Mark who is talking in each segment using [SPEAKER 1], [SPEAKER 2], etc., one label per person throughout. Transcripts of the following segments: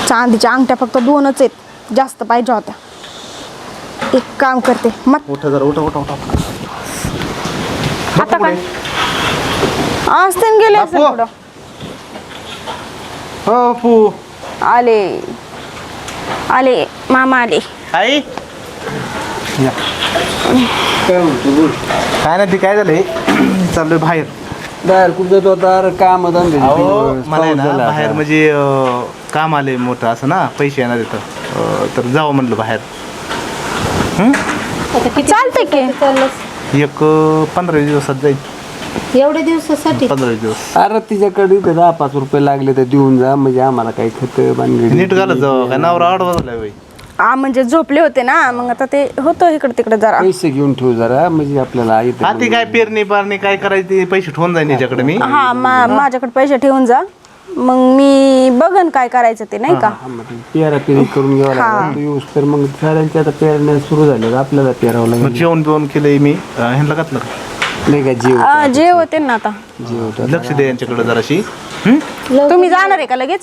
[SPEAKER 1] चांदीच्या अंगठ्या फक्त 2च आहेत, जास्त पाहिजे होत्या. एक काम करते मग
[SPEAKER 2] उठा जरा उठा.
[SPEAKER 1] आता काय आज ते गेले असेल पुढं.
[SPEAKER 2] हो पू
[SPEAKER 1] आले मामा आले.
[SPEAKER 2] आई या. काय नाही ते काय झालंय चाललोय बाहेर
[SPEAKER 3] कुठं जातो आता काम
[SPEAKER 2] मला आहे ना बाहेर म्हणजे काम आले मोठं असं ना पैसे येणार इथं तर जावं म्हणलं बाहेर.
[SPEAKER 1] चालतंय की
[SPEAKER 2] एक 15 दिवसात जाईल.
[SPEAKER 4] एवढ्या दिवसासाठी
[SPEAKER 2] 15 दिवस
[SPEAKER 3] अरे तिच्याकडे 10-5 रुपये लागले तर देऊन जा म्हणजे आम्हाला काही खत बांधली
[SPEAKER 2] नीट घालत जावं काय नावर आडवा झालाय बाई.
[SPEAKER 1] म्हणजे झोपले होते ना मग आता ते होतं इकडे तिकडे जरा.
[SPEAKER 3] पैसे घेऊन ठेवू जरा म्हणजे आपल्याला
[SPEAKER 2] हा ती काय पेरणी पारणी काय करायची ते पैसे ठेवून जाईन याच्याकडे मी.
[SPEAKER 1] हा माझ्याकडे पैसे ठेवून जा मग मी बघन काय करायचं ते नाही का.
[SPEAKER 3] पेरी करून घ्यावं लागेल तर मग साऱ्यांच्या आता पेरण्या सुरू झाल्या आपल्याला पेरावं
[SPEAKER 2] मग
[SPEAKER 3] लागेल.
[SPEAKER 2] जेवण बिवण केलंय मी ह्यांना घातलं
[SPEAKER 3] नाही का
[SPEAKER 1] जे होते ना आता
[SPEAKER 2] लक्ष दे यांच्याकडे जराशी.
[SPEAKER 1] तुम्ही जाणार आहे का लगेच.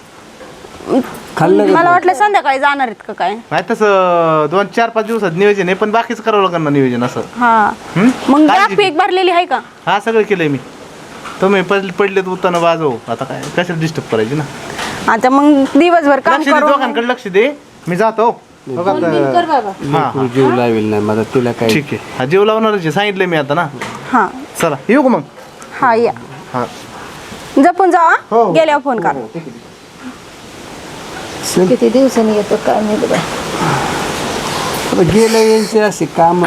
[SPEAKER 1] मला वाटलं संध्याकाळी जाणार आहेत का काय.
[SPEAKER 2] नाही तसं 2-4-5 दिवसात नियोजन आहे पण बाकीच करावं लागणार ना नियोजन असं.
[SPEAKER 1] हा मग गॅस पीक भरलेली आहे का.
[SPEAKER 2] हा सगळं केलंय मी. तुम्ही पडलेत उत्तानं वाजव आता काय कशाला डिस्टर्ब करायची ना.
[SPEAKER 1] आता मग दिवसभर काम
[SPEAKER 2] लक्ष दे
[SPEAKER 1] करू.
[SPEAKER 2] दोघांकडे लक्ष दे मी जातो.
[SPEAKER 4] कर बाबा.
[SPEAKER 2] हा
[SPEAKER 3] जीव लावेल नाही माझा तिला काय.
[SPEAKER 2] ठीक आहे हा जेव लावणारच आहे सांगितलंय मी आता ना.
[SPEAKER 1] हा
[SPEAKER 2] चला येऊ का मग.
[SPEAKER 1] हा या
[SPEAKER 2] हा
[SPEAKER 1] जपून जा गेल्यावर फोन करा.
[SPEAKER 4] किती दिवसांनी येतो काय नाही बाबा.
[SPEAKER 3] गेलं यांचे असे काम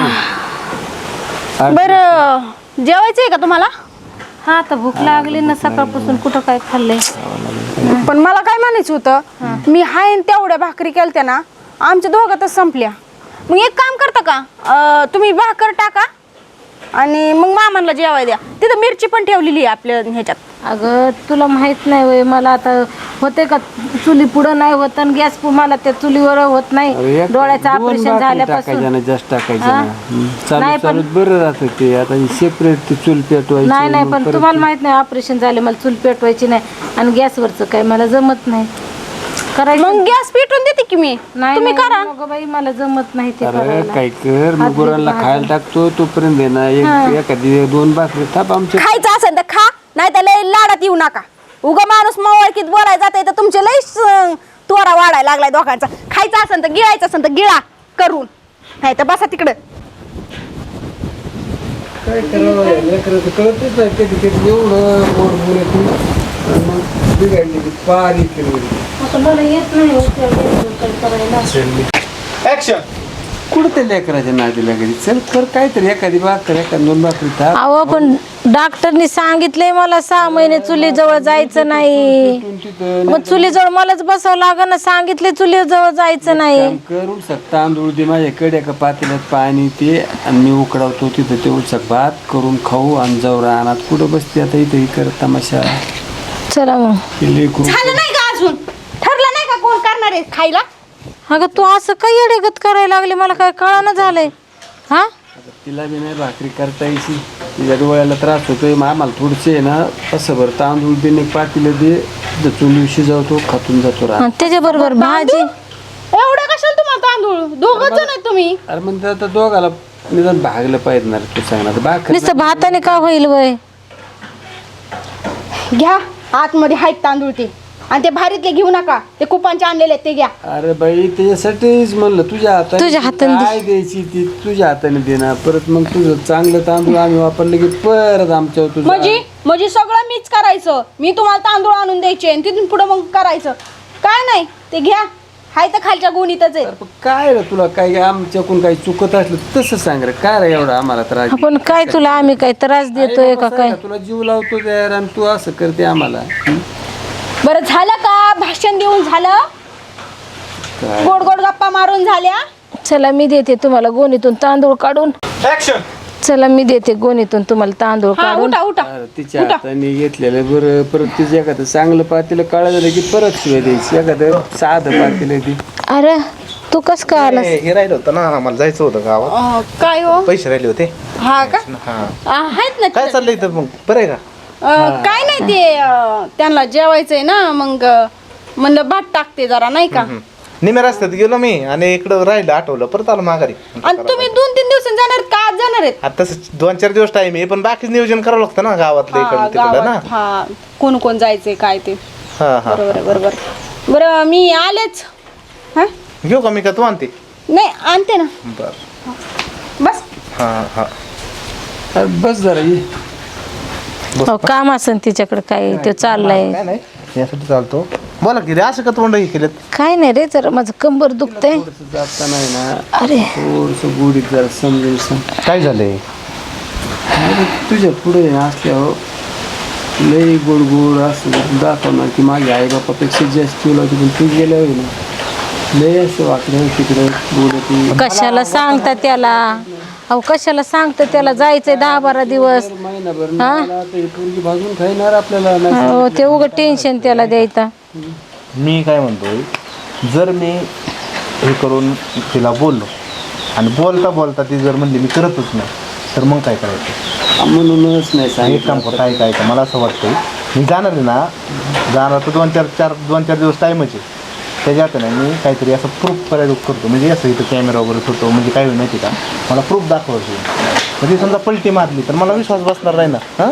[SPEAKER 1] बरं जेवायचंय का तुम्हाला.
[SPEAKER 4] हा आता भूक लागली ना सकाळपासून कुठं काय खाल्लंय.
[SPEAKER 1] पण मला काय म्हणायचं होतं मी हाय तेवढ्या भाकरी केलत्या ना आमच्या दोघातच संपल्या. मग एक काम करता का तुम्ही भाकर टाका आणि मग मामांना जेवाय द्या. तिथं मिरची पण ठेवलेली आहे आपल्या ह्याच्यात.
[SPEAKER 4] अगं तुला माहित नाही वय मला आता होते का चुली पुढं नाही होत आणि गॅस मला त्या चुलीवर होत नाही. डोळ्याचं ऑपरेशन झाल्यापासून
[SPEAKER 3] जास्त टाकायचं चालू बरं राहतं ते आता सेपरेट ते चूल पेटवायची.
[SPEAKER 4] नाही पण तुम्हाला माहित नाही ऑपरेशन झाले मला चूल पेटवायची नाही आणि गॅसवरचं काय मला जमत नाही करायचं.
[SPEAKER 1] मग गॅस पेटवून देते की मी तुम्ही करा.
[SPEAKER 4] बाई मला जमत नाही ते करायला.
[SPEAKER 3] काय कर मी गुरांना खायला टाकतो तोपर्यंत आहे ना एखादी 2 भाकरी थाप आमच्या.
[SPEAKER 1] खायचं असेल तर खा नाही तर लय लाडात येऊ नका. उगा माणूस मवळकीत बोलायला जाते तर तुमचे लय तोरा वाढायला लागलाय दोघांचा. खायचं असेल तर गिळायचं असेल तर गिळा करून नाही तर बसा तिकडं.
[SPEAKER 3] काय करावं लेकराचं कळतच नाही कधी कधी एवढं पोट बोलत मग बिघडली पारी केली.
[SPEAKER 4] आता मला येत नाही करायला.
[SPEAKER 2] ऍक्शन.
[SPEAKER 3] कुठं ते लेकराच्या नादीला घरी चल कर काहीतरी एखादी भाकर एखादी 2 भाकरी थाप.
[SPEAKER 4] अहो पण डॉक्टरनी सांगितलंय मला 6 महिने चुलीजवळ जायचं नाही. मग चुलीजवळ मलाच बसावं लागेल ना. सांगितले चुलीजवळ जायचं नाही.
[SPEAKER 3] करू शकता तांदूळ दे माझ्याकडे एका पातेल्यात पाणी ते आणि मी उकडावतो तिथं ते उलसक भात करून खाऊ आणि जाऊ रानात. कुठं बसते आता इथं कर तमाशा.
[SPEAKER 4] चला मग
[SPEAKER 1] झालं नाही का अजून ठरलं नाही का कोण करणार आहे खायला.
[SPEAKER 4] अगं तू असं काही येडेगत करायला लागले मला काय कळानं झालंय. हा
[SPEAKER 3] तिला बी नाही भाकरी करता यायची तिच्या डोळ्याला त्रास होतोय मग आम्हाला थोडसे आहे ना असं बरं तांदूळ दे पातेलं दे चुली शिजवतो खातून जातो रान.
[SPEAKER 4] त्याच्या बरोबर भाजी.
[SPEAKER 1] एवढं कशाला तुम्हाला तांदूळ 2 जण आहेत तुम्ही.
[SPEAKER 3] अरे मग आता दोघाला निदान भागलं पाहिजे ना तू सांगणार भाकर
[SPEAKER 4] नुसतं भाताने का होईल वय.
[SPEAKER 1] घ्या आतमध्ये आहेत तांदूळ ते आणि ते भारीतले घेऊ नका ते कुपांचे आणलेले ते घ्या.
[SPEAKER 3] अरे बाई त्याच्यासाठीच म्हणलं तुझ्या हाताने काय द्यायची ती तुझ्या हाताने दे ना. परत मग तुझं चांगलं तांदूळ आम्ही वापरलं की परत आमच्या
[SPEAKER 1] म्हणजे सगळं मीच करायचं. मी तुम्हाला तांदूळ आणून द्यायचे आणि तिथून पुढे मग करायचं काय नाही ते घ्या. हाय तर खालच्या गुणीतच आहे.
[SPEAKER 3] काय रे तुला काय आमच्याकडून काही चुकत असलं तसं सांग रे. काय रे एवढा आम्हाला त्रास.
[SPEAKER 4] आपण काय तुला आम्ही काय त्रास देतोय का काय.
[SPEAKER 3] तुला जीव लावतो यार आणि तू असं करते आम्हाला.
[SPEAKER 1] बरं झालं का भाषण देऊन झालं. गोड गोड गप्पा मारून झाल्या.
[SPEAKER 4] चला मी देते तुम्हाला गोणीतून तांदूळ काढून.
[SPEAKER 2] ऍक्शन.
[SPEAKER 4] चला मी देते गोणीतून तुम्हाला तांदूळ काढून.
[SPEAKER 1] उठा उठा.
[SPEAKER 3] तिच्या हाताने घेतलेलं बरं. परत तिचं एखादं चांगलं पातेलं काळा झालं की परत शिवाय द्यायची. एखादं साधं पातेलं ती.
[SPEAKER 4] अरे तू कस काय आलास.
[SPEAKER 2] हे राहिलं होतं ना आम्हाला जायचं होतं गावात.
[SPEAKER 1] काय हो
[SPEAKER 2] पैसे राहिले होते.
[SPEAKER 1] हा का
[SPEAKER 2] हा
[SPEAKER 1] आहेत ना.
[SPEAKER 2] काय चाललंय तर मग बरं आहे का.
[SPEAKER 1] काय नाही ते त्यांना जेवायचंय ना मग म्हणलं भात टाकते जरा नाही का.
[SPEAKER 2] निम्या रस्त्यात गेलो मी आणि इकडं राहिलं आठवलं परत आलो माघारी.
[SPEAKER 1] आणि तुम्ही 2-3 दिवसांनी जाणार आहेत का आज जाणार आहेत?
[SPEAKER 2] आता तसं 2-4 दिवस टाइम आहे पण बाकीच नियोजन करावं लागतं ना गावातलं इकडं तिकडं ना.
[SPEAKER 1] गावात हा कोण कोण जायचंय काय ते.
[SPEAKER 2] हा हा
[SPEAKER 1] बरोबर आहे, बरोबर. बरं मी आलेच. हा
[SPEAKER 2] घेऊ का मी का तू आणते?
[SPEAKER 1] नाही आणते ना.
[SPEAKER 2] बर
[SPEAKER 1] बस
[SPEAKER 2] हा हा
[SPEAKER 3] अरे बस जरा ये.
[SPEAKER 4] अहो, काम असेल तिच्याकडे काय ते चाललंय.
[SPEAKER 2] काय नाही यासाठी चालतो. बोला की रे असं का तोंड हे केलं?
[SPEAKER 4] काय नाही रे जरा माझं कंबर दुखतंय.
[SPEAKER 3] थोडंसं जाता नाही ना
[SPEAKER 4] अरे
[SPEAKER 3] थोडंसं गोडीत जरा समजून सांग.
[SPEAKER 2] काय झालंय?
[SPEAKER 3] अरे तुझ्या पुढे असल्यावर लई गोड गोड असं दाखवणार की माझ्या आई बापापेक्षा जास्त तुला होती पण तू गेल्यावर ना लय असं वाकडं तिकडं बोलत
[SPEAKER 4] कशाला सांगता त्याला? अहो कशाला सांगता त्याला? जायचंय 10-12 दिवस.
[SPEAKER 3] महिनाभर मला आता ही पोरगी भाजून खाईणार आपल्याला नाही.
[SPEAKER 4] हो ते उगं टेन्शन त्याला द्यायचा.
[SPEAKER 2] मी काय म्हणतोय, जर मी हे करून तिला बोललो आणि बोलता बोलता ती जर म्हणली मी करतच नाही तर मग काय करायचं?
[SPEAKER 3] म्हणूनच नाही
[SPEAKER 2] एक काम कर, काय का मला असं वाटतंय मी जाणार आहे ना, जाणार तर 2-4 दिवस टाईमच आहे. त्याच्यात नाही मी काहीतरी असं प्रूफ करायला करतो, म्हणजे असं इथं कॅमेरा वगैरे ठेवतो, म्हणजे काय होईल माहिती का, मला प्रूफ दाखवायची. म्हणजे समजा पलटी मारली तर मला विश्वास बसणार नाही ना. हां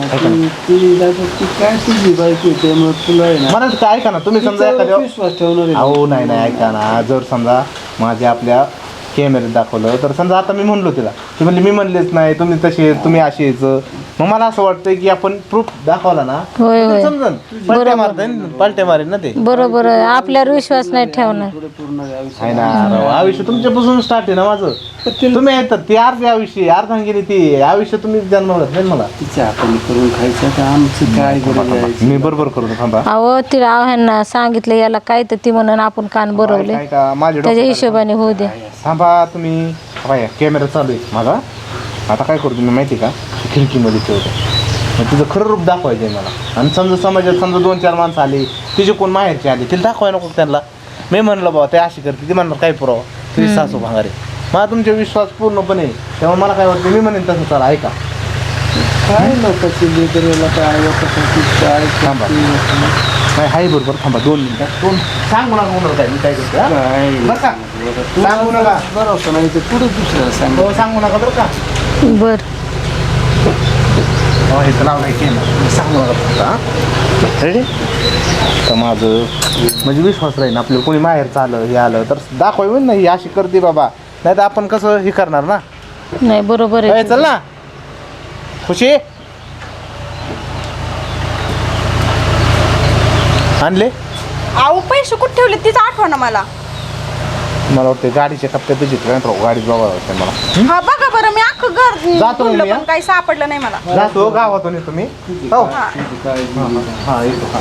[SPEAKER 3] काय तुझी बायको त्यामुळे तुला आहे ना
[SPEAKER 2] मला काय ऐका ना, तुम्ही समजा एखाद्या
[SPEAKER 3] विश्वास ठेवणार आहे.
[SPEAKER 2] अहो नाही ऐका ना, जर समजा माझ्या आपल्या कॅमेऱ्यात दाखवलं तर समजा आता मी म्हणलो तिला, ती म्हणली मी म्हणलेच नाही, तुम्ही तसे तुम्ही असे यायचं, मग मला असं वाटतंय की आपण प्रूफ दाखवला ना
[SPEAKER 4] होय होय
[SPEAKER 2] समजन पलट्या मारेन ना ते.
[SPEAKER 4] बरोबर आहे. आपल्यावर विश्वास नाही ठेवणार.
[SPEAKER 3] पूर्ण आयुष्य
[SPEAKER 2] आहे ना राव, आयुष्य तुमच्यापासून स्टार्ट आहे ना माझं. तुम्ही येतात ती अर्धी आयुष्य अर्धांगिनी ती आयुष्य तुम्ही जन्मवलं नाही मला.
[SPEAKER 3] तिच्या आपण करून खायचं तर आमचं काय गरज आहे?
[SPEAKER 2] मी बरोबर करून थांबा.
[SPEAKER 4] अहो तिला ह्यांना सांगितलं याला काय तर ती म्हणून आपण कान भरवले.
[SPEAKER 2] काय का माझ्या
[SPEAKER 4] त्याच्या हिशोबाने होऊ दे.
[SPEAKER 2] थांबा तुम्ही. बाय कॅमेरा चालू आहे माझा. आता काय करतो मी माहिती का, खिडकीमध्ये ठेवतो, मग तिचं खरं रूप दाखवायचं आहे मला. आणि समजा समाजात समजा 2-4 माणसं आली, तिचे कोण माहेरचे आले, तिला दाखवाय नको त्यांना. मी म्हणलं बाबा ते अशी करते, ती म्हणणार काय पुरावा, तुझी सासू भांगारे. मला तुमचा विश्वास पूर्णपणे, त्यामुळे मला काय वाटतं मी म्हणेन तसं चला ऐका.
[SPEAKER 3] काय लोकांची लेकराला काय लोकांसाठी काय
[SPEAKER 2] थांबा. नाही हाय बरोबर, थांबा 2 मिनिटं. सांगू नका होणार काय मी काय करतो. हा?
[SPEAKER 3] काय
[SPEAKER 2] बरं का, सांगू नका.
[SPEAKER 3] बरोबर नाही तर पुढे दुसऱ्याला सांग.
[SPEAKER 2] हो सांगू नका बरं का.
[SPEAKER 4] बर
[SPEAKER 2] हो हे तर नाव नाही केलं, सांगू नका फक्त. रेडी तर माझं म्हणजे विश्वास राहील आपल्याला, कोणी माहेरचं आलं हे आलं तर दाखवाय ना ही अशी करते बाबा, नाही तर आपण कसं हे करणार ना.
[SPEAKER 4] नाही बरोबर आहे.
[SPEAKER 2] चल ना खुशी आणले.
[SPEAKER 1] अहो पैसे कुठे ठेवले तीच आठवण मला.
[SPEAKER 2] मला वाटतं गाडीच्या कप्प्यात गाडीत बघावं वाटतं मला.
[SPEAKER 1] हा बघा बरं, मी अख्खं घर
[SPEAKER 2] जातो
[SPEAKER 1] बोललं
[SPEAKER 2] मी,
[SPEAKER 1] पण काही सापडलं नाही मला.
[SPEAKER 2] जातो गावातून येतो मी. हो
[SPEAKER 3] काय
[SPEAKER 2] हां येतो.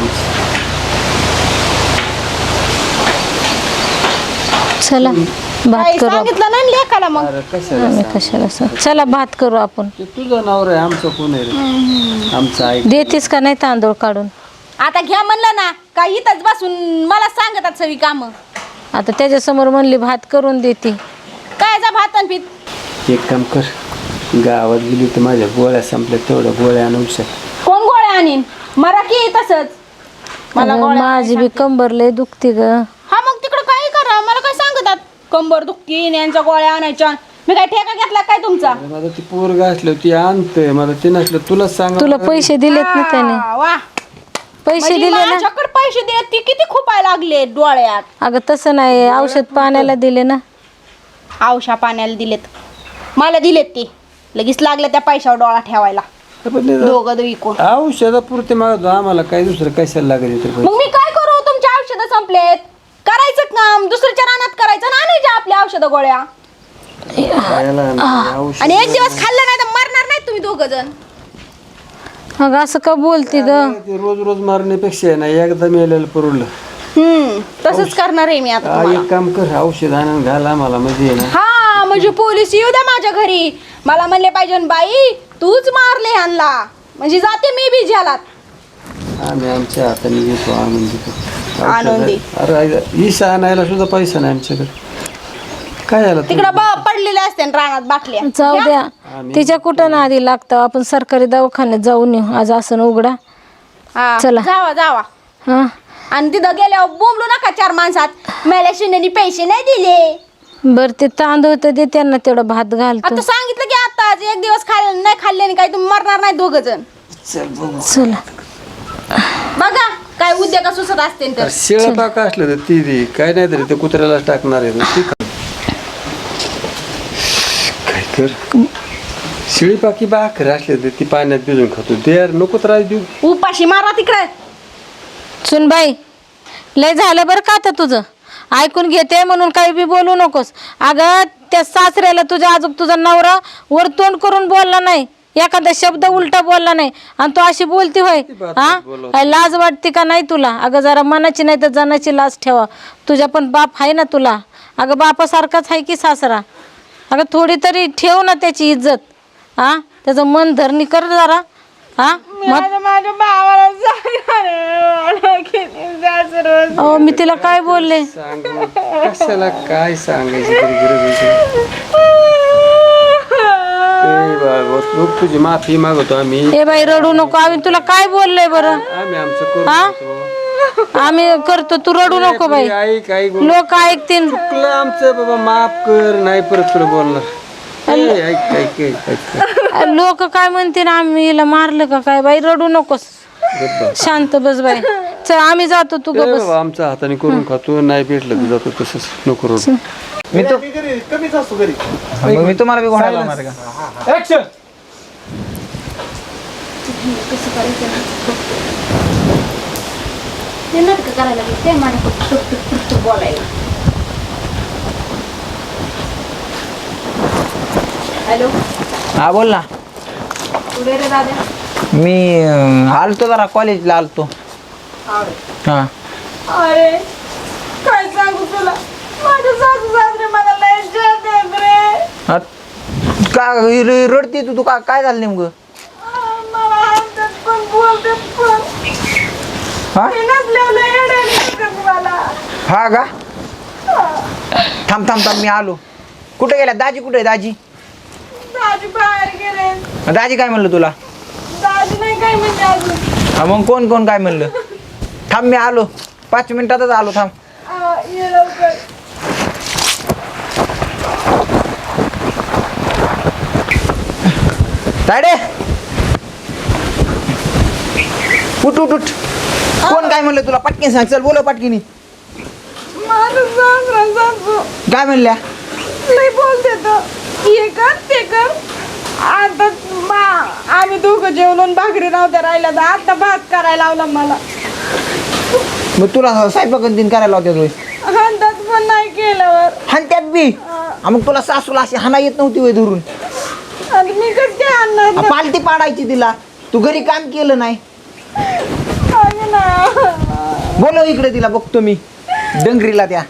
[SPEAKER 4] चला भात
[SPEAKER 1] काही
[SPEAKER 4] करू आपण.
[SPEAKER 1] सांगितलं नाही लेखाला मग.
[SPEAKER 3] अरे कशाला
[SPEAKER 4] आम्ही कशाला सांग. चला भात करू आपण.
[SPEAKER 3] ते तुझं नावर आहे, आमचं कोण आहे रे? आमचं ऐक.
[SPEAKER 4] देतीस का नाही तांदूळ काढून?
[SPEAKER 1] आता घ्या म्हणलं ना, काय इथंच बसून मला सांगतात सगळी कामं.
[SPEAKER 4] आता त्याच्यासमोर म्हणली भात करून देते.
[SPEAKER 1] काय जा भात आणि पीत.
[SPEAKER 3] एक काम कर, गावात गेली तर माझ्या गोळ्या संपल्या, तेवढ्या गोळ्या आणून शक.
[SPEAKER 1] कोण गोळ्या आणीन? मरा की तसंच. मला
[SPEAKER 4] अगं,
[SPEAKER 1] गोळ्या
[SPEAKER 4] माझी बी कंबर लय दुखती ग.
[SPEAKER 1] हा मग तिकडं काही करा, मला काय सांगतात कंबर दुखती यांच्या गोळ्या आणायच्या. मी काय ठेका घेतला काय तुमचा?
[SPEAKER 3] माझं ती पोरग असलं ती आणतंय, मला ते नसलं तुला सांग.
[SPEAKER 4] तुला पैसे दिलेत ना त्याने?
[SPEAKER 1] वा
[SPEAKER 4] पैसे
[SPEAKER 1] म्हणजे
[SPEAKER 4] दिले ना?
[SPEAKER 1] माझ्याकडे पैसे दिले, ती किती खुपायला लागले डोळ्यात.
[SPEAKER 4] अगं तसं नाही, औषध पाण्याला दिले ना.
[SPEAKER 1] औषा पाण्याला दिलेत, मला दिलेत ते लगेच लागले त्या पैशावर डोळा ठेवायला. दोघं विकून
[SPEAKER 3] औषधापुरते मागतो, आम्हाला काय दुसरं कशाला लागेल तर
[SPEAKER 1] मग मी काय करू? तुमचे औषधं संपलेत, करायचं काम दुसऱ्याच्या रानात करायचं ना, आणायच्या आपल्या औषधं गोळ्या.
[SPEAKER 3] औषध
[SPEAKER 1] आणि एक दिवस खाल्लं नाही तर मरणार नाही तुम्ही दोघं जण.
[SPEAKER 4] अगं असं का बोलती ग?
[SPEAKER 3] ते रोज रोज मारण्यापेक्षा आहे ना एकदा मेलेलं परवडलं.
[SPEAKER 1] तसंच करणार आहे मी आता तुम्हाला.
[SPEAKER 3] एक काम कर, औषध आणून घाल आम्हाला, म्हणजे ना
[SPEAKER 1] हा म्हणजे पोलीस येऊ द्या माझ्या घरी, मला म्हणले पाहिजे बाई तूच मारले ह्यांना, म्हणजे जाते मी बी झालात.
[SPEAKER 3] आम्ही आमच्या हाताने घेतो, आणून देतो.
[SPEAKER 1] आणून दे.
[SPEAKER 3] अरे इसा आणायला सुद्धा पैसा नाही आमच्याकडे. काय झालं
[SPEAKER 1] तिकडं पडलेले असते ना रानात बाटल्या.
[SPEAKER 4] जाऊ द्या, तिच्या कुठं ना आधी लागतं. आपण सरकारी दवाखान्यात जाऊन येऊ आज. असं उघडा
[SPEAKER 1] हा,
[SPEAKER 4] चला.
[SPEAKER 1] जावा जावा.
[SPEAKER 4] हा
[SPEAKER 1] आणि तिथं गेल्यावर बोंबलू नका 4 माणसात मला शिंदेनी पैसे नाही दिले.
[SPEAKER 4] बर ते तांदूळ तर दे त्यांना, तेवढं भात घालतो.
[SPEAKER 1] आता सांगितलं की आता आज एक दिवस खाल्लं नाही खाल्ल्याने काय तुम्ही मरणार नाही 2 जण.
[SPEAKER 3] चल बघू.
[SPEAKER 4] चला
[SPEAKER 1] बघा काय उद्योग सुचत असते तर.
[SPEAKER 3] शिळा पाका असलं तर ती दे, काय नाही तरी ते कुत्र्याला टाकणार आहे ना, ती खा. काय कर, शिळी पाकी भाकर असले तर ती पाण्यात भिजून खातो. ते यार नको त्रास देऊ.
[SPEAKER 1] उपाशी मारा तिकडे.
[SPEAKER 4] सुन बाई, लय झालं बरं का आता तुझं. ऐकून घेते म्हणून काही बी बोलू नकोस. अगं त्या सासऱ्याला तुझ्या आजूक तुझा नवरा वर तोंड करून बोलला नाही, एखादा शब्द उलटा बोलला नाही, आणि तू अशी बोलती होय. हा काय लाज वाटते का नाही तुला? अगं जरा मनाची नाही तर जनाची लाज ठेवा. तुझ्या पण बाप आहे ना तुला. अगं बापासारखाच आहे की सासरा. अगं थोडी तरी ठेव ना त्याची इज्जत. हा त्याचं मन धरणी कर जरा. हा
[SPEAKER 1] माझ्या भावाला
[SPEAKER 4] अहो मी तिला काय बोलले?
[SPEAKER 3] सांगू कशाला, काय सांगायची तरी गरज होती. तुझी माफी मागवतो आम्ही.
[SPEAKER 4] ए बाई रडू नको. आम्ही तुला काय बोललोय बरं?
[SPEAKER 3] आम्ही आमचं करू.
[SPEAKER 4] आम्ही करतो, तू रडू नको बाई.
[SPEAKER 3] ऐक ऐक,
[SPEAKER 4] लोक ऐकतील.
[SPEAKER 3] चुकलं आमचं बाबा, माफ कर, नाही परत तुला बोलणार. ऐक ऐक ऐक ऐक.
[SPEAKER 4] लोक काय म्हणतील, आम्ही हिला मारलं का काय? बाई रडू नकोस, शांत बस बाई. चल आम्ही जातो, तू गप बस.
[SPEAKER 3] आमच्या हाताने करून खातो, नाही भेटलं तर जातो तसंच. नको रडू.
[SPEAKER 2] मी तो कमीच असतो घरी.
[SPEAKER 5] मग मी तुम्हाला बी घोडा लावणार का?
[SPEAKER 3] ऍक्शन.
[SPEAKER 1] ते नाटक करायला लागले ते माझ्या बोलायला. हॅलो,
[SPEAKER 5] हा बोल ना.
[SPEAKER 1] कुठे रे दादा?
[SPEAKER 5] मी आलतो जरा कॉलेजला आलतो. हा
[SPEAKER 1] अरे काय सांगू तुला, माझे सासू सासरे मला लय जीव देत रे.
[SPEAKER 5] हा, का रडते तू? काय झालं नेमकं?
[SPEAKER 1] मला हसतात पण बोलतात पण.
[SPEAKER 5] हा
[SPEAKER 1] मी नसल्यावर येड्याने करतात मला.
[SPEAKER 5] हा का? थांब थांब थांब, मी आलो. कुठे गेला दाजी? कुठे आहे दाजी?
[SPEAKER 1] दाजी बाहेर गेले.
[SPEAKER 5] दाजी काय म्हणलं तुला?
[SPEAKER 1] दाजी नाही काय म्हणजे अजून.
[SPEAKER 5] हा, मग कोण कोण काय म्हणलं? थांब मी आलो, 5 मिनिटातच आलो. थांब.
[SPEAKER 1] ये लवकर.
[SPEAKER 5] तायडे उठ उठ उठ. कोण काय म्हणलं तुला? पटकीन सांग. चल बोल पटकीनी.
[SPEAKER 1] माझं सासरा सासू
[SPEAKER 5] काय म्हणल्या?
[SPEAKER 1] लय बोलते तर, हे कर ते कर. आता आम्ही दोघं जेवण भाकरी नव्हत्या राहिल्या तर आता भात करायला लावला मला.
[SPEAKER 5] मग तुला स्वयंपाक दिन करायला होत्या तुझे?
[SPEAKER 1] हातात पण नाही केल्यावर.
[SPEAKER 5] हान त्यात बी. मग तुला सासूला अशी हाना येत नव्हती वय धरून?
[SPEAKER 1] आणि मी कसं काय आणणार
[SPEAKER 5] पालती पाडायची तिला. तू घरी काम केलं नाही.
[SPEAKER 1] ना.
[SPEAKER 5] बोलव इकडे तिला, बघतो मी डंगरीला त्या.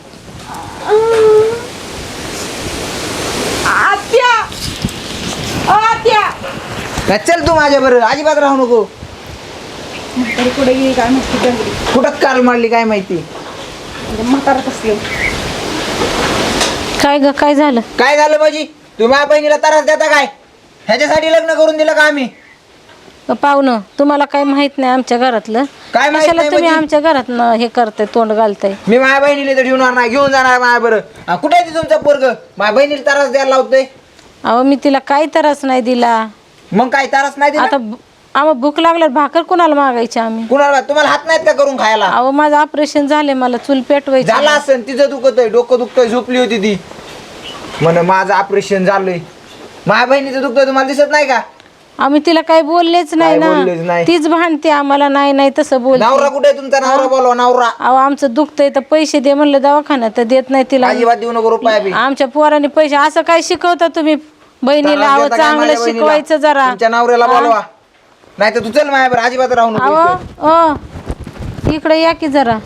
[SPEAKER 1] आत्या आत्या
[SPEAKER 5] काय चल तू माझ्या बरोबर, अजिबात राहू नको.
[SPEAKER 1] म्हातारी कुठे गेली काय माहिती डंगरी.
[SPEAKER 5] कुठं काल मारली काय माहिती.
[SPEAKER 1] म्हातारा कसली.
[SPEAKER 4] काय ग काय झालं?
[SPEAKER 5] काय झालं माझी? तू माझ्या बहिणीला त्रास देता काय? ह्याच्यासाठी लग्न करून दिलं का आम्ही?
[SPEAKER 4] पाहुणं, तुम्हाला काय माहित नाही आमच्या घरातलं.
[SPEAKER 5] काय माहित
[SPEAKER 4] कशाला
[SPEAKER 5] नाही
[SPEAKER 4] तुम्ही
[SPEAKER 5] म्हणजे?
[SPEAKER 4] आमच्या घरात हे करताय, तोंड घालताय?
[SPEAKER 5] मी माझ्या बहिणीला तर ठेवणार नाही, घेऊन जाणार माझ्या बरं. कुठे आहे ती तुमचा पोरग? माझ्या बहिणीला त्रास द्यायला लावतोय.
[SPEAKER 4] अहो मी तिला काही त्रास नाही दिला.
[SPEAKER 5] मग काय त्रास नाही दिला?
[SPEAKER 4] आता आम्हाला भूक लागल्यावर भाकर कोणाला मागायची आम्ही?
[SPEAKER 5] कुणाला? तुम्हाला हात नाहीत का करून खायला?
[SPEAKER 4] अहो माझं ऑपरेशन झाले, मला चूल पेटवायची.
[SPEAKER 5] झालं असेल, तिचं दुखतोय, डोकं दुखतोय, झोपली होती ती म्हण माझं ऑपरेशन झालंय. माझ्या बहिणीचं दुखतोय, तुम्हाला दिसत नाही का?
[SPEAKER 4] आम्ही तिला काही बोललेच नाही
[SPEAKER 5] काय बोललेच
[SPEAKER 4] ना.
[SPEAKER 5] नाही.
[SPEAKER 4] तीच भांडते आम्हाला, नाही नाही तसं बोल.
[SPEAKER 5] नवरा कुठे आहे तुमचा? नवरा बोलवा, नवरा.
[SPEAKER 4] अहो आमचं दुखतंय तर पैसे दे म्हणलं दवाखान्यात, तर देत नाही तिला.
[SPEAKER 5] अजिबात देऊ नको रुपया बी.
[SPEAKER 4] आमच्या पोरांनी पैसे असं काय शिकवता तुम्ही बहिणीला? अहो
[SPEAKER 5] त्रास देता काय
[SPEAKER 4] चांगलं
[SPEAKER 5] माझ्या बहिणीला?
[SPEAKER 4] शिकवायचं जरा.
[SPEAKER 5] तुमच्या नवऱ्याला बोलवा, नाही तर तू चल माझ्या बरं, अजिबात राहू नको इथं.
[SPEAKER 4] अहो इकडे या की जरा.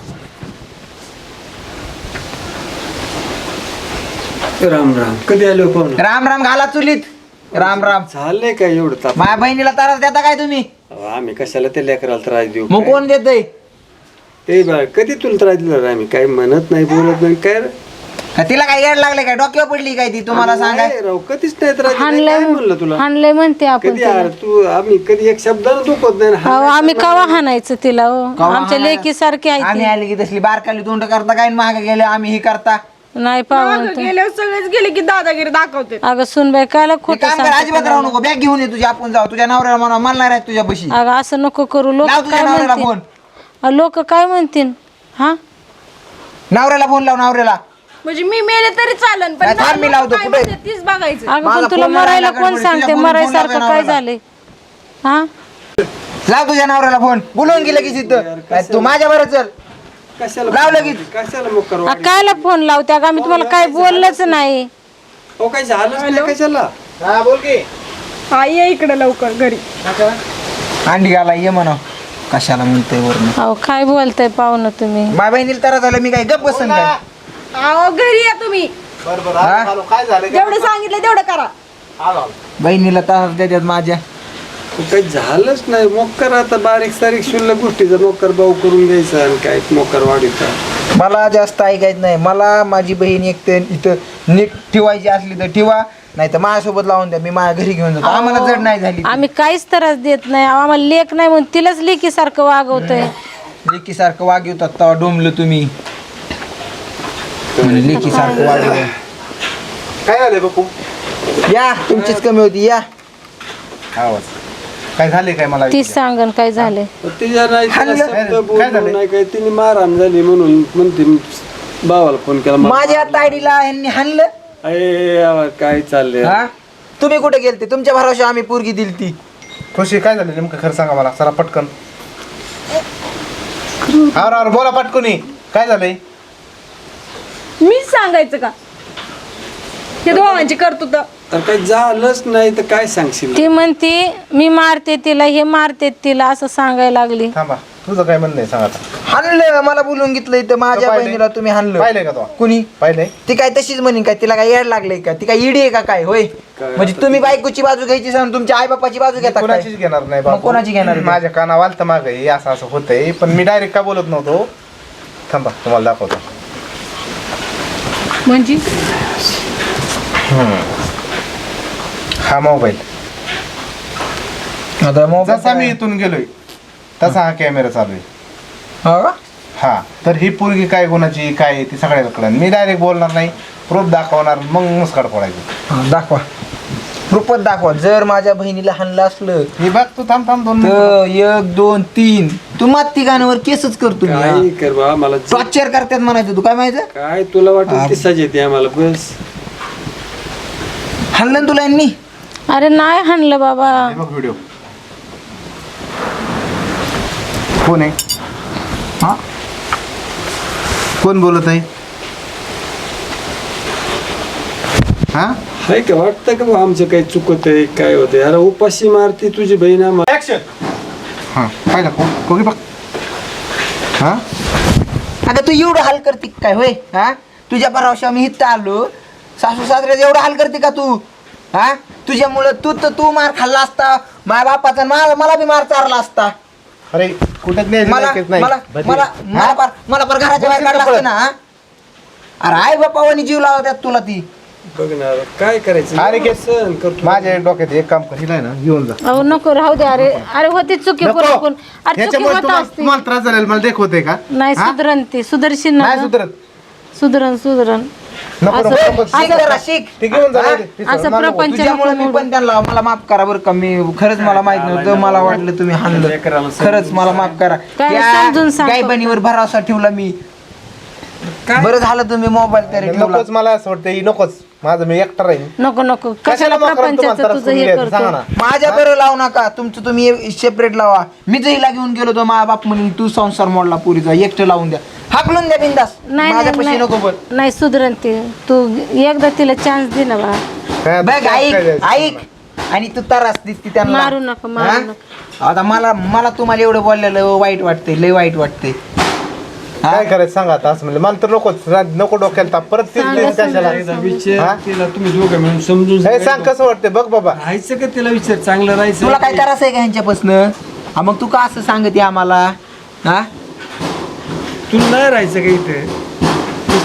[SPEAKER 3] राम राम. कधी आलो पाहून?
[SPEAKER 5] राम राम घाला चुलीत. राम राम.
[SPEAKER 3] झालंय काय एवढं ताप?
[SPEAKER 5] माझ्या बहिणीला त्रास देता काय तुम्ही?
[SPEAKER 3] अहो, आम्ही कशाला त्या लेकराला त्रास देऊ?
[SPEAKER 5] मग कोण देतय?
[SPEAKER 3] ते बा कधी तुला त्रास दिला रे? आम्ही काय म्हणत नाही, बोलत नाही काय रे?
[SPEAKER 5] का तिला काय येड लागले काय डोक्यावर पडली काय ती तुम्हाला सांगाय
[SPEAKER 3] नाही राव, कधीच नाही तर काय म्हणलं तुला
[SPEAKER 4] हाणलंय म्हणते आपण
[SPEAKER 3] कधी यार तू आम्ही कधी एक शब्दानं दुखत नाही ना.
[SPEAKER 4] अहो आम्ही कवा हाणायचं तिला हो आमच्या लेकी सारखे आहे
[SPEAKER 5] आम्ही आले की तसली बारकाली तोंड करता काय मागे गेले आम्ही हे करता
[SPEAKER 4] ती. नाही पाहून
[SPEAKER 1] गेल्यावर सगळेच गेले की दादागिरी दाखवते.
[SPEAKER 4] अगं सुनबाई कायला
[SPEAKER 5] हे
[SPEAKER 4] खोटं
[SPEAKER 5] काम कर
[SPEAKER 4] सांगते
[SPEAKER 5] अजिबात राहू नको बॅग घेऊन ये तुझी आपण जाऊ तुझ्या नवऱ्याला म्हणा मला नाही राहत तुझ्या बशी
[SPEAKER 4] अगं असं नको करू लोक
[SPEAKER 5] लाव तुझ्या
[SPEAKER 4] काय
[SPEAKER 5] नवऱ्याला
[SPEAKER 4] म्हणतील लोक काय म्हणतील हा
[SPEAKER 5] नवऱ्याला फोन लाव नवऱ्याला
[SPEAKER 1] म्हणजे मी मेले तरी चालन पण
[SPEAKER 5] नाही, थांब, मी लावतो.
[SPEAKER 1] काय
[SPEAKER 5] कुठे?
[SPEAKER 1] म्हणते तीच बघायचं.
[SPEAKER 4] अगं
[SPEAKER 5] माझा
[SPEAKER 4] पण तुला
[SPEAKER 5] फोन
[SPEAKER 4] मरायला
[SPEAKER 5] लावायला
[SPEAKER 4] कोण
[SPEAKER 5] गडबड,
[SPEAKER 4] सांगते
[SPEAKER 5] तुझ्या फोन
[SPEAKER 4] मरायसारखं
[SPEAKER 5] लावायला
[SPEAKER 4] काय
[SPEAKER 5] नवऱ्याला.
[SPEAKER 4] झालंय हा
[SPEAKER 5] लाव तुझ्या नवऱ्याला फोन बोलवून गेलं की तिथं काय तू माझ्या बरं चल
[SPEAKER 3] कशाला
[SPEAKER 5] लाव लगेच.
[SPEAKER 3] कशाला मग करू
[SPEAKER 4] कायला फोन लावते अगं आम्ही तुम्हाला काय बोललंच नाही
[SPEAKER 3] हो काय झालंच नाही कशाला
[SPEAKER 2] हा बोल की
[SPEAKER 1] हा ये इकडे लवकर घरी.
[SPEAKER 5] अंडी घाला ये म्हणा कशाला म्हणतोय वरून
[SPEAKER 4] अहो काय बोलताय पाहुणं तुम्ही
[SPEAKER 5] माझ्या बहिणीला तर झालं मी काय गप बसन काय
[SPEAKER 1] अहो घरी या तुम्ही.
[SPEAKER 2] बरं
[SPEAKER 5] हा?
[SPEAKER 2] आलो. काय झालं
[SPEAKER 1] जेवढं सांगितलं तेवढं करा.
[SPEAKER 2] आलो
[SPEAKER 5] बहिणीला त्रास देतात माझ्या
[SPEAKER 3] काही झालंच नाही मोकर आता बारीक सारीक शुल्लक गोष्टीचा मोकर भाऊ करून द्यायचा आणि काय मोकर वाढीचा
[SPEAKER 5] मला जास्त ऐकायचं नाही मला माझी बहीण एक तर इथं नीट ठेवायची असली तर ठेवा नाही तर माझ्यासोबत लावून द्या मी माझ्या घरी घेऊन जातो आम्हाला जड नाही झाली
[SPEAKER 4] आम्ही काहीच त्रास देत नाही आम्हाला लेख नाही म्हणून तिलाच लेकीसारखं वागवतोय
[SPEAKER 5] लेकीसारखं वागवतात तेव्हा डोंबलं तुम्ही लेकीसारखं वागवलं
[SPEAKER 2] काय झालंय बापू
[SPEAKER 5] या तुमचीच कमी होती या
[SPEAKER 2] आवाज काय झाले काय मला
[SPEAKER 4] तीच सांगन काय झालंय
[SPEAKER 3] तिच्या नाही तिला
[SPEAKER 5] हाणलं.
[SPEAKER 3] शब्द
[SPEAKER 2] काय
[SPEAKER 3] बोललो
[SPEAKER 2] झालं?
[SPEAKER 3] नाही काय तिने मारहाण झाली म्हणून म्हणते भावाला फोन केला
[SPEAKER 5] माझ्या तायडीला यांनी हाणलं
[SPEAKER 3] काय चाललंय
[SPEAKER 5] हा तुम्ही कुठे गेलते तुमच्या भरोशा आम्ही पोरगी दिली ती
[SPEAKER 2] खुशी काय झालं नेमकं खरं सांगा मला जरा पटकन आवर बोला पटकनी काय झालंय
[SPEAKER 1] मीच सांगायचं का हे दोघांची करतो तर
[SPEAKER 3] तर काही झालंच नाही तर काय सांगशील
[SPEAKER 4] ती म्हणते मी मारते तिला हे मारते तिला असं सांगायला लागली
[SPEAKER 2] थांबा तुझं काय म्हणणं आहे सांग आता
[SPEAKER 5] हाणलं मला बोलून घेतलं इथं माझ्या
[SPEAKER 2] पाहिलंय?
[SPEAKER 5] बहिणीला तुम्ही हाणलं
[SPEAKER 2] पाहिलंय का तो
[SPEAKER 5] कुणी
[SPEAKER 2] पाहिलंय
[SPEAKER 5] ती काय तशीच म्हणेन काय तिला काय येड लागले का ती काय इडी आहे का काय होय
[SPEAKER 3] काय
[SPEAKER 5] म्हणजे तुम्ही बायकोची बाजू घ्यायची सांगून तुमच्या आई बापाची बाजू घेता काय?
[SPEAKER 2] कोणाचीच घेणार नाही
[SPEAKER 5] मग
[SPEAKER 2] बाबू.
[SPEAKER 5] कोणाची घेणार आहे?
[SPEAKER 2] माझ्या कानावाल तर माग असं असं होतंय पण मी डायरेक्ट का बोलत नव्हतो थांबा तुम्हाला दाखवतो
[SPEAKER 1] म्हणजे
[SPEAKER 2] हा मोबाईल
[SPEAKER 5] आता मोबाईल
[SPEAKER 2] जसा मी इथून गेलोय तसा हा कॅमेरा चालू आहे
[SPEAKER 5] हो का?
[SPEAKER 2] हा तर ही पोरगी काय गुणाची काय आहे ती सगळ्याला कळण मी डायरेक्ट बोलणार नाही प्रूफ दाखवणार मग मुस्काड फोडायची
[SPEAKER 5] हा, दाखवा रूपत दाखवा जर माझ्या बहिणीला हाणलं असलं
[SPEAKER 2] हे बघ तू थांब थांब 2 मिनिटं.
[SPEAKER 5] तर 1 2 3 तू माती गाण्यावर केसच करतो
[SPEAKER 3] काय कर बा मला
[SPEAKER 5] टॉर्चर करतात म्हणायचं तू काय माहिती
[SPEAKER 3] काय तुला वाटत ती सज येते आम्हाला बस
[SPEAKER 5] हाणलं ना तुला यांनी
[SPEAKER 4] अरे नाही हाणलं बाबा
[SPEAKER 2] हे बघ व्हिडिओ कोण आहे
[SPEAKER 5] हा
[SPEAKER 2] कोण बोलत आहे हा
[SPEAKER 3] हाय का वाटतं का बा आमचं काही चुकत आहे काय होतंय अरे उपाशी मारती तुझी बहीण आम्हाला
[SPEAKER 2] हा पाहिलं कोणी बघ हा
[SPEAKER 5] अगं तू एवढं हाल करते का काय होय हा तुझ्या भरावशा मी इथं आलो सासू सासऱ्याचं एवढं हाल करते का तू हा तुझ्यामुळं तू मार खाल्ला असता माझ्या बापाचा मला बी मार चारला असता
[SPEAKER 2] अरे कुठेच नाही
[SPEAKER 5] मला
[SPEAKER 2] नाही
[SPEAKER 5] मला मला मला पर घराच्या बाहेर काढला असतं ना हा? अरे आई बापावानी जीव लावतात तुला ती
[SPEAKER 3] बघ ना काय करायचं
[SPEAKER 2] अरे
[SPEAKER 3] एवढं सहन करतो
[SPEAKER 2] माझ्या डोक्यात एक काम कर हिला ना घेऊन जा
[SPEAKER 4] अहो नको राहू दे अरे होती चुकी
[SPEAKER 2] नको.
[SPEAKER 4] पुरपून अरे चुकी
[SPEAKER 2] ह्याच्यामुळे
[SPEAKER 4] होत
[SPEAKER 2] तुम्हाला
[SPEAKER 4] असते
[SPEAKER 2] तुम्हाला त्रास झालेला मला देखवते का
[SPEAKER 4] नाही
[SPEAKER 2] हा?
[SPEAKER 4] सुधरण ती सुधरशील ना
[SPEAKER 2] नाही
[SPEAKER 4] गं?
[SPEAKER 2] सुधरत
[SPEAKER 4] सुधरण
[SPEAKER 2] नको नको,
[SPEAKER 4] असं-
[SPEAKER 2] नको
[SPEAKER 5] शिक जरा शिक
[SPEAKER 2] ते घेऊन जा
[SPEAKER 5] हा?
[SPEAKER 2] ते
[SPEAKER 4] असं
[SPEAKER 2] सोड, मला नको.
[SPEAKER 4] प्रपंच
[SPEAKER 5] तुझ्यामुळे मी पण त्यांना मला माफ करा बरं का मी खरंच मला माहित नव्हतं मला वाटलं तुम्ही हाणलं
[SPEAKER 3] लेकराला समजून
[SPEAKER 5] खरंच मला माफ करा
[SPEAKER 4] काय
[SPEAKER 5] या
[SPEAKER 4] समजून सांग
[SPEAKER 5] गायबनीवर भरोसा ठेवला मी
[SPEAKER 3] काय?
[SPEAKER 5] बरं झालं तुम्ही मोबाईल तरी ठेवला
[SPEAKER 2] नकोच मला असं वाटतं ही नकोच माझं मी एकटा राहीन
[SPEAKER 4] नको कशाला
[SPEAKER 2] मग करून तुम्हाला
[SPEAKER 4] प्रपंचाचं
[SPEAKER 2] त्रास
[SPEAKER 4] तुझं
[SPEAKER 2] करून
[SPEAKER 4] हे
[SPEAKER 2] घ्यायचं? सांगा
[SPEAKER 4] करतो
[SPEAKER 2] ना
[SPEAKER 5] माझ्या बरं लावू नका तुमचं तुम्ही सेपरेट लावा मी हिला घेऊन गेलो तो माझा बाप म्हणून तू संसार मोडला पुरीचा एकटं लावून द्या हाकलून द्या बिंदास
[SPEAKER 4] नाही
[SPEAKER 5] माझ्यापाशी नको पण
[SPEAKER 4] नाही सुधरण ती तू एकदा तिला चान्स दे ना बा
[SPEAKER 2] काय
[SPEAKER 5] बघ
[SPEAKER 2] काय
[SPEAKER 5] ऐक
[SPEAKER 2] द्यायचं
[SPEAKER 5] ऐक आणि तू तरास दिसती त्यांना
[SPEAKER 4] मारू नका, मारू
[SPEAKER 5] हा?
[SPEAKER 4] नका.
[SPEAKER 5] आता मला तुम्हाला एवढं बोललेलं वाईट वाटतंय लय वाईट वाटतंय
[SPEAKER 2] काय करायचं सांगा आता असं म्हणजे मला तर नकोच नको डोक्याला ताप परत तेच
[SPEAKER 4] सांगा,
[SPEAKER 2] तेच कशाला
[SPEAKER 3] एकदा
[SPEAKER 2] हा?
[SPEAKER 3] विचार तिला तुम्ही दोघं मिळून समजून
[SPEAKER 2] हे सांग
[SPEAKER 3] सांगायचं.
[SPEAKER 2] कसं वाटतंय बघ बाबा
[SPEAKER 3] राहायचं का तिला विचार चांगलं राहायचं
[SPEAKER 5] तुला काय त्रास आहे का ह्यांच्यापासनं हा मग तू का असं सांगते आम्हाला हा
[SPEAKER 3] तुला नाही राहायचं का इथे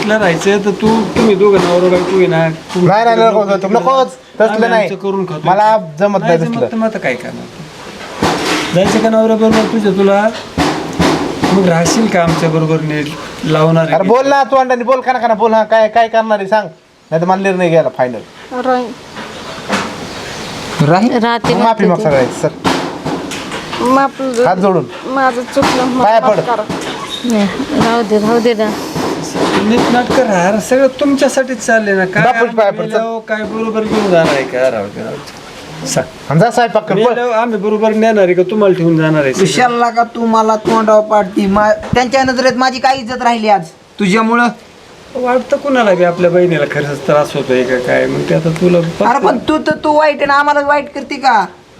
[SPEAKER 3] ऍडजस्टला राहायचं तर तुम्ही दोघं नवरा बायको आहे ना
[SPEAKER 2] नाही नकोच तसलं
[SPEAKER 3] आम्ही
[SPEAKER 2] नाही
[SPEAKER 3] आमचं करून खातो.
[SPEAKER 2] मला जमत नाही
[SPEAKER 3] जमत
[SPEAKER 2] तसलं
[SPEAKER 3] तर मग आता काय करणार जायचं का नवऱ्या बरोबर तुला मग राहशील का आमच्या बरोबर नीट लावणार आहे
[SPEAKER 2] अरे
[SPEAKER 3] की?
[SPEAKER 2] बोल ना तू अंडाने बोल का ना बोल हा काय काय करणार आहे सांग नाही तर मला निर्णय घ्यायला फायनल
[SPEAKER 1] राहील.
[SPEAKER 4] राहते
[SPEAKER 2] माफी मग
[SPEAKER 4] म्हणते
[SPEAKER 2] सगळ्याची सर
[SPEAKER 1] माफ
[SPEAKER 2] हात जोडून
[SPEAKER 1] माझं चुकलं मला
[SPEAKER 2] पाया
[SPEAKER 1] माफ
[SPEAKER 2] पड.
[SPEAKER 1] करा.
[SPEAKER 4] नाही, राहू दे ना
[SPEAKER 3] नीट नाटक राहा सगळं तुमच्यासाठीच चालले ना काय
[SPEAKER 2] बापूच पाया
[SPEAKER 3] आम्ही
[SPEAKER 2] पडतात.
[SPEAKER 3] मेल्यावर काय बरोबर घेऊन जाणार आहे का राहू दे, राहू दे. सांग.
[SPEAKER 2] आणि जा स्वयंपाक कर बोल.
[SPEAKER 3] मेल्यावर आम्ही बरोबर नेणार आहे का तुम्हाला ठेवून जाणार आहे
[SPEAKER 5] विशालला का तू मला तोंडावर पाडती त्यांच्या नजरेत माझी काय इज्जत राहिली आज तुझ्यामुळं.
[SPEAKER 3] वाटतं कुणाला बी आपल्या बहिणीला खरंच त्रास होतोय का काय मग ते आता तुला
[SPEAKER 5] अरे पण तू वाईट आहे ना आम्हाला वाईट करते का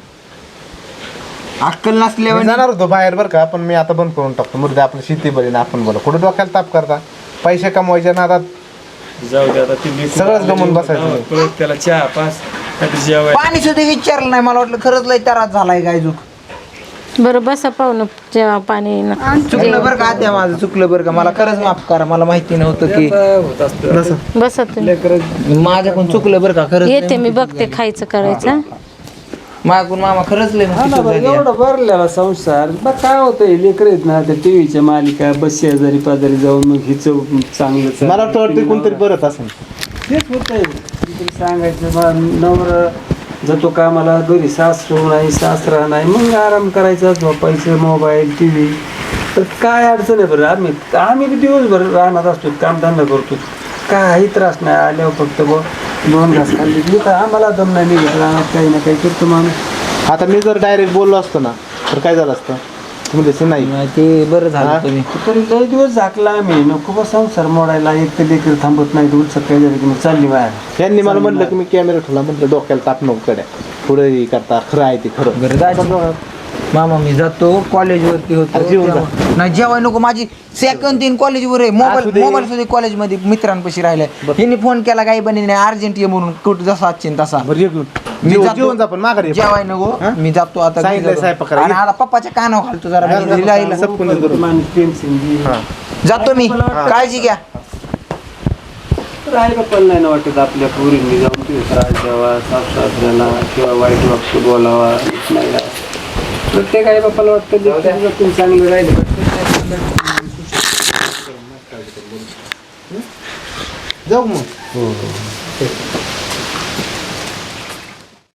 [SPEAKER 5] अक्कल
[SPEAKER 2] मी
[SPEAKER 5] नसल्यावर
[SPEAKER 2] जाणार होतो बाहेर बरं का पण मी आता बंद करून टाकतो मुर्दे आपली शेती बरी ना आपण बोला कुठं डोक्याला ताप करता पैसे कमवायच्या नादात
[SPEAKER 3] जाऊ दे आता ती
[SPEAKER 2] सगळंच गमून बसायचं.
[SPEAKER 3] परत त्याला चहा पास आता जेवाय
[SPEAKER 5] पाणी सुद्धा विचारलं नाही मला वाटलं खरंच लय त्रास झालाय काय चूक
[SPEAKER 4] बरं बसा पाहुणं जेव्हा पाणी
[SPEAKER 5] चुकलं बरं का त्या माझं चुकलं बरं का मला खरंच माफ करा मला माहिती नव्हतं की
[SPEAKER 3] होत असतं
[SPEAKER 4] बसा तुम्ही
[SPEAKER 5] माझ्याकडून चुकलं बरं का खरंच
[SPEAKER 4] येते मी बघते खायचं करायचं
[SPEAKER 5] माझ्याकडून मामा खरंच लय मोठी चूक झाली आहे.
[SPEAKER 3] एवढा भरलेला संसार बघ काय होतंय लेकर आहेत ना त्या टीव्हीच्या मालिका बस शेजारी पाजारी जाऊन मग हिच चांगलं
[SPEAKER 2] मला वाटतं कोणतरी बरंच असेल
[SPEAKER 3] तेच होतंय कोणतरी सांगायचं बा नवरा जातो कामाला घरी सासरू नाही सासरा नाही मग आराम करायचा झोपायचं मोबाईल टी व्ही तर काय अडचण आहे बरं आम्ही बी दिवसभर राहणार असतो कामधंदा करतो काही त्रास नाही आल्यावर फक्त दोन घास खाल्ली की तर आम्हाला दम नाही निघत राहणार काही ना काही करतो माणूस
[SPEAKER 2] आता मी जर डायरेक्ट बोललो असतो ना तर काय झालं असतं तुम्ही तसं नाही
[SPEAKER 5] ते बरं
[SPEAKER 2] हा?
[SPEAKER 5] झालं तुम्ही
[SPEAKER 3] तरी लय दिवस झाकला आम्ही नको बा संसार मोडायला एक तर लेकर थांबत नाही दूर सकाळी झालं की मग चालली बाहेर
[SPEAKER 2] यांनी मला म्हणलं की मी कॅमेरा ठेवला म्हटलं डोक्याला ताप नको कड्या पुढे हे करता खरं आहे ते खरं
[SPEAKER 5] बरं जायचं. मामा मी जातो कॉलेजवरती होतो
[SPEAKER 2] अरे जेवून जा.
[SPEAKER 5] नाही जेवाय नको माझी सेकंड तीन कॉलेजवर आहे
[SPEAKER 2] असू दे.
[SPEAKER 5] मोबाईल सुद्धा कॉलेजमध्ये मित्रांपाशी राहिलाय हिने फोन केला काही बनी नाही अर्जंट ये म्हणून कुठं जसा आजचीन तसा
[SPEAKER 2] बरं जेवून
[SPEAKER 5] मी जातो.
[SPEAKER 2] जेवण जा पण माघारी ये.
[SPEAKER 5] जेवाय नको
[SPEAKER 2] हा?
[SPEAKER 5] मी जातो आता
[SPEAKER 2] सांगितलंय
[SPEAKER 5] घरी
[SPEAKER 2] स्वयंपाक
[SPEAKER 5] जातो.
[SPEAKER 2] करायला.
[SPEAKER 5] आणि आता पप्पाच्या कानावर घालतो जरा
[SPEAKER 2] घाल, घाल,
[SPEAKER 5] लिहिला-
[SPEAKER 2] घाल. सब कोणी करू.
[SPEAKER 3] टेन्शन घे.
[SPEAKER 2] हा.
[SPEAKER 5] जातो मी काळजी घ्या
[SPEAKER 3] राहायला पण नाही ना वाटत आपल्या पोरींनी जाऊन तिथे त्रास द्यावा सासऱ्याला किंवा वाईट वागतो बोलावा नाही का. प्रत्येक आई बापाला वाटतं तुम्ही चांगलं राहिलं
[SPEAKER 2] जाऊ मग